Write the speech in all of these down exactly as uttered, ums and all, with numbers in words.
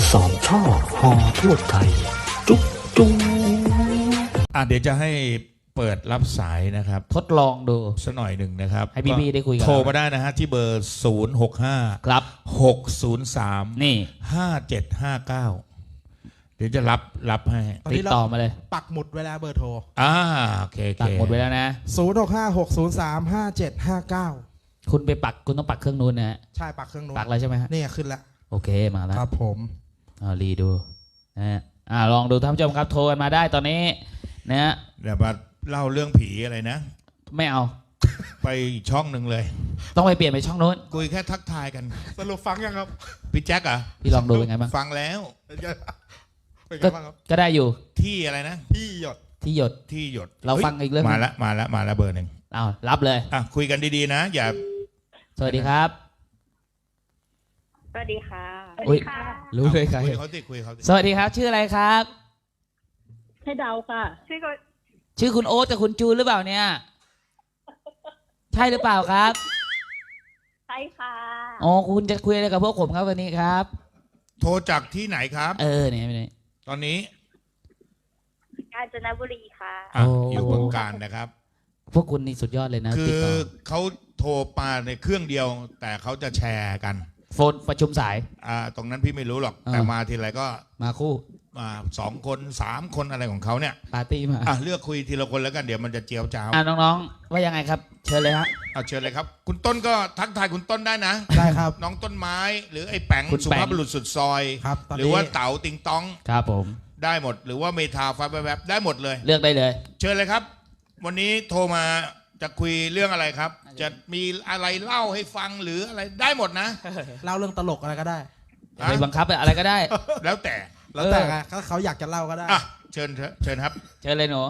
สามชาติฮอทั่วไทยจุ๊บจุ๊บอ่ะเดี๋ยวจะให้เปิดรับสายนะครับทดลองดูสักหน่อยหนึ่งนะครับให้พี่ๆได้คุยกันโทรมาได้นะฮะที่เบอร์ศูนย์ หก ห้าครับหก ศูนย์ สามนี่ห้า เจ็ด ห้า เก้าเดี๋ยวจะรับรับให้ติดต่อมาเลยปักหมุดเวลาเบอร์โทรอ่าโอเคโอเคปักหมดไว้แล้วนะศูนย์ หก ห้า หก ศูนย์ สาม ห้า เจ็ด ห้า เก้าคุณไปปักคุณต้องปักเครื่องนู้นนะฮะใช่ปักเครื่องนู้นปักแล้วใช่ไหมฮะนี่ขึ้นแล้วโอเคมาแล้วครับผมอ่ารีดูนะฮะอ่าลองดูท่านผู้ชมครับโทรกันมาได้ตอนนี้นะฮะเดี๋ยวมาเล่าเรื่องผีอะไรนะไม่เอาไปอีกช่องหนึ่งเลยต้องไปเปลี่ยนไปช่องนู้นคุยแค่ทักทายกันสรุปฟังยังครับพี่แจ็คอ่ะพี่ลองดูเป็นไงบ้างฟังแล้วเป็นไงบ้างครับก็ได้อยู่ที่อะไรนะที่หยดที่หยดที่หยดเราฟังอีกเรื่องมาแล้วมาแล้วมาแล้วเบอร์หนึ่งเอารับเลยอ่ะคุยกันดีๆนะอย่าสวัสดีครับสวัสดีค่ะอุ้ยรู้เลยครับคุยเขาสิคุยเขาสิสวัสดีครับชื่ออะไรครับให้เดาค่ะชื่อก็ชื่อคุณโอ๊ตกับคุณจูนหรือเปล่าเนี่ยใช่หรือเปล่าครับใช่ค่ะอ๋อคุณจะคุยอะไรกับพวกผมครับวันนี้ครับโทรจากที่ไหนครับเออเนี่ยไม่ตอนนี้กาญจนบุรีค่ะอ่ะอยู่บึงกาฬนะครับพวกคุณนี่สุดยอดเลยนะคือเขาโทรมาในเครื่องเดียวแต่เขาจะแชร์กันโฟนประชุมสายอ่าตรงนั้นพี่ไม่รู้หรอกแต่มาทีไรก็มาคู่มาสองคนสามคนอะไรของเขาเนี่ยปาร์ตี้มาอ่ะเลือกคุยทีละคนแล้วกันเดี๋ยวมันจะเจียวจ้าวอ่ะน้องๆว่ายังไงครับเชิญเลยฮะเอาเชิญเลยครับคุณต้นก็ทักทายคุณต้นได้นะได้ครับน้องต้นไม้หรือไอ้แป๋งสุภาพบุรุษสุดซอยครับหรือว่าเต๋าติงตองครับผมได้หมดหรือว่าเมทาฟ้าแวบๆได้หมดเลยเลือกได้เลยเชิญเลยครับวันนี้โทรมาจะคุยเรื่องอะไรครับจะมีอะไรเล่าให้ฟังหรืออะไรได้หมดนะเล่าเรื่องตลกอะไรก็ได้ไปบังคับอะไรก็ได้แล้วแต่แล้วแต่ถ้าเขาอยากจะเล่าก็ได้อ่ะเชิญเชิญครับเชิญเลยหนู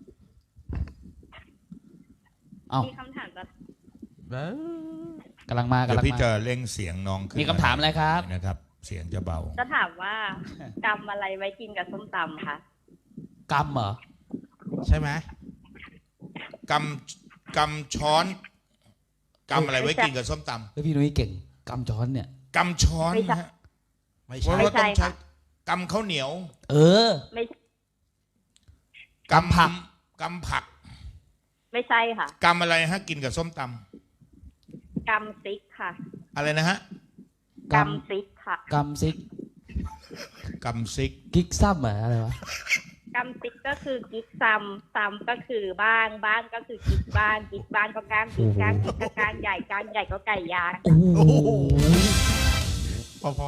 มีคำถามจะกำลังมากำลังมาเดี๋ยวพี่จะเร่งเสียงน้องขึ้นมีคำถามอะไรครับนะครับเสียงจะเบาจะถามว่ากำอะไรไว้กินกับส้มตำคะกำเหรอใช่ไหมกำกำช้อนกำอะไรไว้กินกับส้มตำเฮ้ยพี่นุ้ยเก่งกำช้อนเนี่ยกำช้อนฮะไม่ใช่เพราะว่าต้องใช้กำข้าวเหนียวเออไม่กำผักกำผักไม่ใช่ค่ะกำอะไรฮะกินกับส้มตำกำซิกค่ะอะไรนะฮะกำซิกค่ะกำซิกกำซิกกิ๊กซ้ำเหรออะไรวะกำซิกก็คือกิ๊กซ้ำซ้ำก็คือบ้านบ้านก็คือกิ๊กบ้านกิ๊กบ้านก็ก้างกิ๊กก้างกิ๊กก็ก้างใหญ่ก้างใหญ่ก็ไก่ยางโอ้โหพอพอ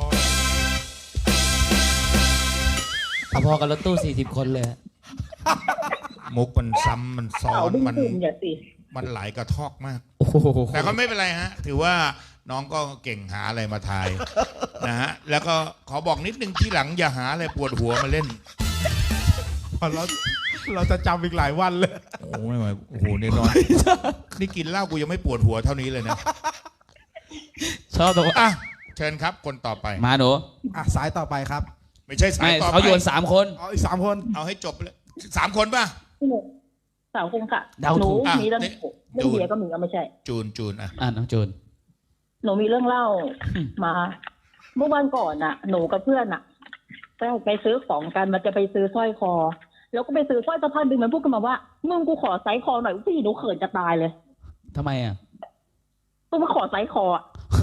พอกันรถตู้สี่สิบคนเลยมุกมันซ้ำมันซ้อนมันมันหลายกระทอกมากแต่ก็ไม่เป็นไรฮะถือว่าน้องก็เก่งหาอะไรมาทายนะฮะแล้วก็ขอบอกนิดนึงที่หลังอย่าหาอะไรปวดหัวมาเล่นพอเราเราจะจำอีกหลายวันเลยโอ้ไม่ไหวโอ้โหนี่นอนนี่กินเหล้ากูยังไม่ปวดหัวเท่านี้เลยนะชอบตัวอ่ะเชิญครับคนต่อไปมาหนูอ่ะสายต่อไปครับไม่ใช่สายต่อไปเขาโยนสามคนเอาอีกสามคนเอาให้จบเลยสามคนป่ะสามคนค่ะหนูมีเรื่องเรื่องเบียร์ก็มีก็ไม่ใช่จูนจูนอ่ะอ่ะน้องจูนหนูมีเรื่องเล่ามาเมื่อวันก่อนน่ะหนูกับเพื่อนน่ะไปไปซื้อของกันมันจะไปซื้อสร้อยคอแล้วก็ไปซื้อสร้อยสะพานดึงมันพูดกันมาว่ามึงกูขอไซส์คอหน่อยพี่หนูเขินจะตายเลยทำไมอ่ะกูมาขอไซส์คอ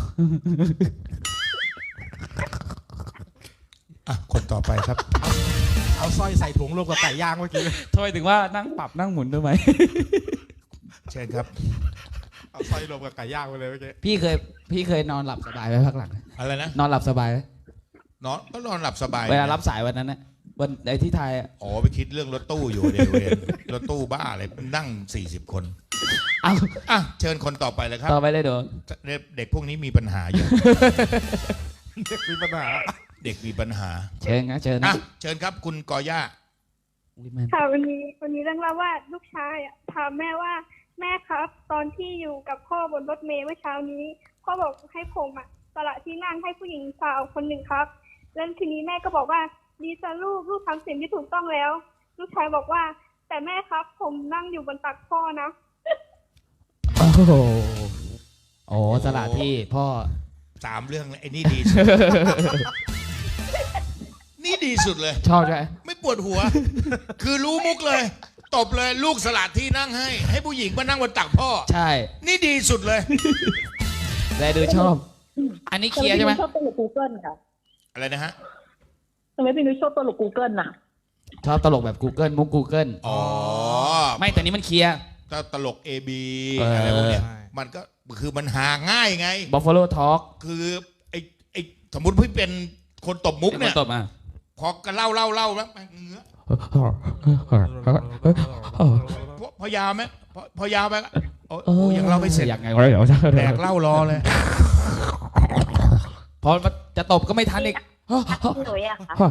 อ่ะคนต่อไปครับเอาสร้อยใส่ถุงรวมกับไก่ย่างเมื่อกี้ทำไมถึงว่านั่งปรับนั่งหมุนด้วยไหมเชิญครับเอาสร้อยรวมกับไก่ย่างไปเลยเมื่อกี้พี่เคยพี่เคยนอนหลับสบายไหมพักหลังอะไรนะนอนหลับสบายไหมนอนก็นอนหลับสบายเวลารับสายวันนั้นนะวันไอ้ที่ไทยอ๋อไปคิดเรื่องรถตู้อยู่เดี๋ยวเวรรถตู้บ้าอะไรนั่งสี่สิบคนเอาอ่ะเชิญคนต่อไปเลยครับต่อไปเลยเดี๋ยวเด็กพวกนี้มีปัญหาอยู่เด็กมีปัญหาเด็กมีปัญหาเชิญนะเชิญนะเชิญครับคุณกอย่าค่ะวันนี้วันนี้เรื่องเล่าว่าลูกชายถามแม่ว่าแม่ครับตอนที่อยู่กับพ่อบนรถเมล์เมื่อเช้านี้พ่อบอกให้ผมอ่ะสละที่นั่งให้ผู้หญิงสาวคนหนึ่งครับแล้วทีนี้แม่ก็บอกว่าดีจ้ะลูกลูกทำสิ่งที่ถูกต้องแล้วลูกชายบอกว่าแต่แม่ครับผมนั่งอยู่บนตักพ่อนะโอ้โหโอ้สละที่พ่อสามเรื่องไอ้นี่ดีนี่ดีสุดเลยชอบใช่ไหมไม่ปวดหัว คือรู้มุกเลย ตบเลยลูกสลัดที่นั่งให้ ให้ผู้หญิงมานั่งบนตักพ่อใช่นี่ดีสุดเลยแต่ดูชอบ อันนี้เคลียร์ใช่ไหมชอบตลก Google ค่ะอะไรนะฮะทำไมพี่นุ้ยชอบตลก Google น่ะชอบตลกแบบ Google มุก Google อ๋อไม่แต่นี้มันเคลียร์ถ้าตลก เอ บีเออออะไรพวกเนี้ยมันก็คือมันหาง่ายไง Buffalo Talk คือไอ้ไอ้สมมติพี่เป็นคนตบมุกเนี่ยตบมาพอก็เล่าเล่าเล่าแล้วมันเงื้อพอพอยาวไหมพอพอยาวไปก็โอ้ยโอ้ยยังเล่าไม่เสร็จอย่างไงวะเดี๋ยวแดกเหล่ารอเลยพอจะตบก็ไม่ทันอีกพี่หนุ่ยอะคะ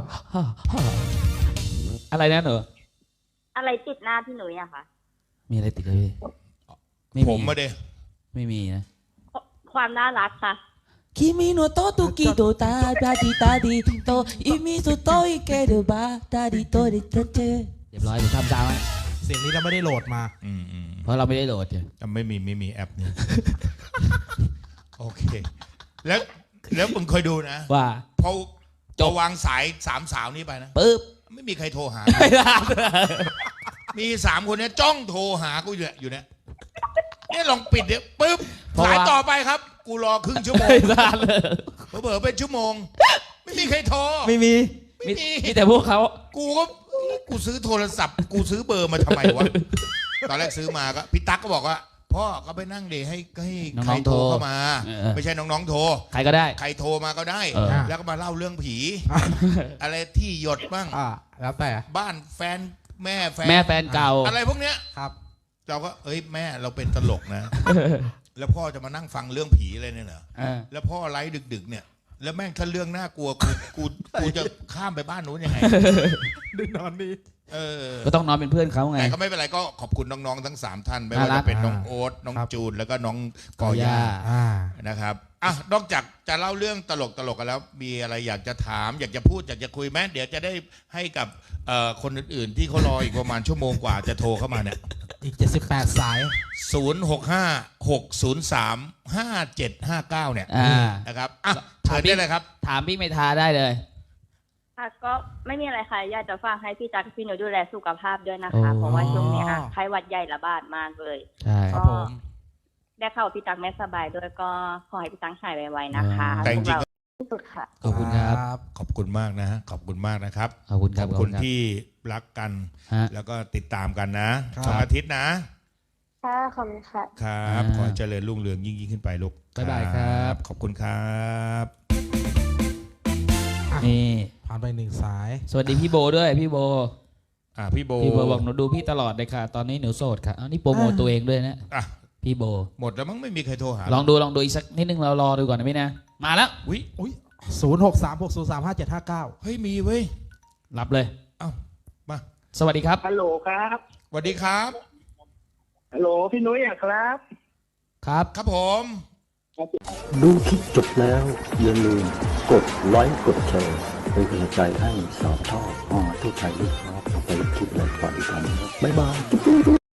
อะไรนะหนูอะไรติดหน้าพี่หนุ่ยอะคะมีอะไรติดเลยพี่ไม่ผมมีมาเดไม่มีนะความน่ารักค่ะ君のとときとただりたりと意味すといけるばたりとりとてเรียบร้อยผมทำตามไว้เสียงนี้เราไม่ได้โหลดมาอืมอืมเพราะเราไม่ได้โหลดไงแต่ไม่มีไม่มีแอปนี้ โอเค แล้วแล้วมึงเคยดูนะว่าพอจบวางสายสามสาวนี้ไปนะปึ๊บไม่มีใครโทรหาไม่ได้มีสามคนเนี้ยจ้องโทรหากูอยู่เนี่ยอยู่เนี่ยเนี่ยลองปิดเดี๋ยวปึ๊บสายต่อไปครับ กูรอครึ่งชั่วโมงไม่ได้เลยเผลอๆเป็นชั่วโมง ไม่มีใครโทรไม่มีไม่มีมีแต่พวกเขากูก็กูซื้อโทรศัพท์ กูซื้อเบอร์มาทำไมวะ ตอนแรกซื้อมาก็พี่ตั๊กก็บอกว่าพ่อก็ไปนั่งเดให้ให้ใครโทรเข้ามา ไม่ใช่น้องๆโทรใครก็ได้ใครโทรมาก็ได้เออแล้วก็มาเล่าเรื่องผี อะไรที่หยดบ้างอ่า แล้วแต่บ้านแฟนแม่แฟนแม่แฟนเก่าอะไรพวกเนี้ยครับเราก็เอ้ยแม่เราเป็นตลกนะ แล้วพ่อจะมานั่งฟังเรื่องผีอะไรเนี่ยเหรอเออแล้วพ่อไลฟ์ดึก ๆ เนี่ย แล้วแม่งถ้าเรื่องน่ากลัวกูกูกูจะข้ามไปบ้านนู้นยังไงดึกนอนดีเออก็ต้องนอนเป็นเพื่อนเขาไงแต่ก็ไม่เป็นไรก็ขอบคุณน้องๆทั้งสามท่านไม่ว่าน่ารัจะกเป็นน้องโอ๊ตน้องครับจูนแล้วก็น้องกกออย่าย่าอ่านะครับอ่ะนอกจากจะเล่าเรื่องตลกตลกกันแล้ว มีอะไรอยากจะถาม อยากจะพูดอยากจะคุยไหมเดี๋ยวจะได้ให้กับเอ่อคนอื่นๆ ที่เขารออีกประมาณชั่วโมงกว่าจะโทรเข้ามาเนี่ยอีกเจ็ดสิบแปดสายศูนย์หกห้าหกศูนย์สามห้าเจ็ดห้าเก้าเนี่ยอ่านะครับอ่ะเชิญได้เลยครับถามพี่เมธาได้เลยค่ะก็ไม่มีอะไรค่ะอยากจะฝากให้พี่ตั๊กพี่หนุ่ยดูแลสุขภาพด้วยนะคะโอ้เพราะว่าช่วงเนี้ยไข้หวัดใหญ่ระบาดมากเลยใช่ครับผมได้เข้าพี่ตั๊กไม่สบายด้วยก็ขอให้พี่ตั๊กหายไวๆนะคะแต่จริงๆพวกเราที่สุดค่ะขอบคุณครับขอบคุณมากนะฮะขอบคุณมากนะครับขอบคุณคขรับอบคุณที่รักกันฮะแล้วก็ติดตามกันนะครับ สองอาทิตย์นะค่ะขอบคุณค่ะครับอ่าขอให้เจริญรุ่งเรืองยิ่งยิ่งขึ้นไปลูกบ๊ายบายครับขอบคุณครับนี่ผ่านไปหนึ่งสายสวัสดีพี่โบด้วยพี่โบอ่ะพี่โบพี่โบบอกหนูดูพี่ตลอดเลยค่ะ ตอนนี้หนูโสดค่ะอันนี้โปรโมทตัวเองด้วยนะอ่ะพี่โบหมดแล้วมั้งไม่มีใครโทรหาลองดูลองดูอีกสักนิดนึงเรารอดูก่อนนะพี่นะ มาแล้วอุ้ยอุ้ยศูนย์หกสามหกศูนย์สามห้าเจ็ดห้าเก้าเฮ้ยมีเว้ยรับเลยเอ้ามาสวัสดีครับฮัลโหลครับสวัสดีครับฮัลโหลพี่นุ้ยอะครับครับครับผมดูคลิปจบแล้วอย่าลืมกดไลค์กดแชร์เป็นกำลังใจให้สาวชอบอ๋อทุกชายลูกครับเอาไปคลิปอะไรก่อนกันบ๊ายบาย